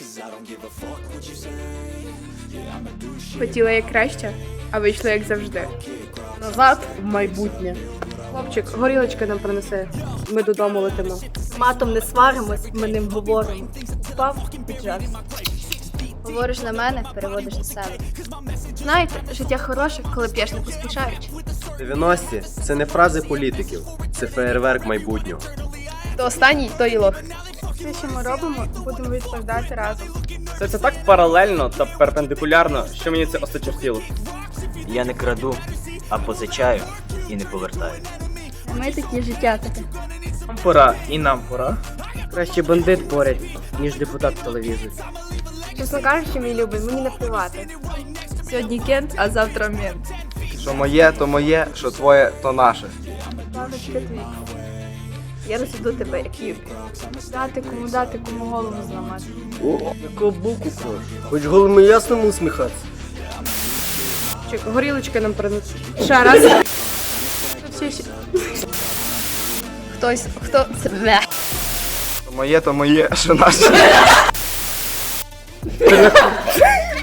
Хотіла як краще, а вийшло як завжди. Назад в майбутнє. Хлопчик, горілочки нам принесе. Ми додому летимо. Матом не сваримось, ми ним говоримо. Спав під час. Говориш на мене, переводиш на себе. Знаєте, життя хороше, коли п'єш не поспішаючи. 90-ті – це не фрази політиків, це феєрверк майбутнього. То останній, то і лох. Все, що ми робимо, будемо відповідати разом. Це так паралельно та перпендикулярно, що мені це осточертіло. Я не краду, а позичаю і не повертаю. Ми такі життя таке. Нам пора і нам пора. Краще бандит поряд, ніж депутат в телевізорі. Чесно кажучи, мій любий, мені не плювати. Сьогодні кент, а завтра мент. Що моє, то моє, що твоє, то наше. Павлочка твій. Я розведу тебе, як юбки. Дати, кому голову зламати. Якого боку крош? Хоч голими ясному усміхатися. Чек, горілочки нам принесе. Ще раз. Ще. Хто це? То моє, що наше.